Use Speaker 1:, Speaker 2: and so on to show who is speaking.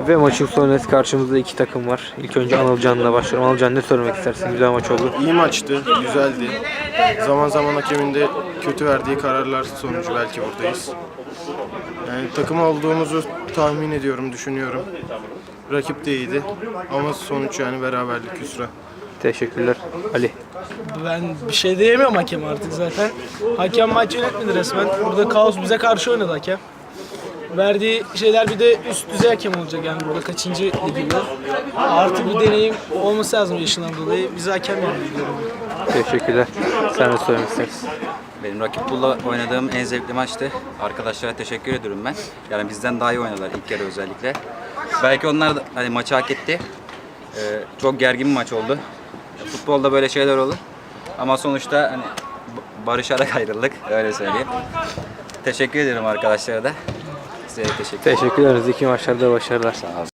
Speaker 1: Ve maçın sonrası karşımızda iki takım var. İlk önce Anılcan'la başlıyorum. Anılcan, ne söylemek istersin? Güzel maç oldu.
Speaker 2: İyi maçtı, güzeldi. Zaman zaman hakemin de kötü verdiği kararlar sonucu belki buradayız. Yani takım olduğumuzu tahmin ediyorum, düşünüyorum. Rakip de iyiydi ama sonuç yani beraberlik, hüsran.
Speaker 1: Teşekkürler. Ali.
Speaker 3: Ben bir şey diyemiyorum hakem artık zaten. Hakem maç yönetmedi resmen. Burada kaos bize karşı oynadı hakem. Verdiği şeyler bir de üst düzey hakem olacak yani burada kaçıncı liginde. Artık bir deneyim olması lazım yaşından dolayı. Bize hakem yapıyor.
Speaker 1: Teşekkürler. Sen de söylemek istersin.
Speaker 4: Benim rakip pulla oynadığım en zevkli maçtı. Arkadaşlara teşekkür ediyorum ben. Yani bizden daha iyi oynadılar ilk yarı özellikle. Belki onlar da hani maçı hak etti. Çok gergin bir maç oldu. Futbolda böyle şeyler olur. Ama sonuçta hani barışarak ayrıldık. Öyle söyleyeyim. Teşekkür ederim arkadaşlara da. Size de teşekkür ederim.
Speaker 1: Teşekkür ederiz. İki maçlarda başarılar.
Speaker 4: Sağ olun.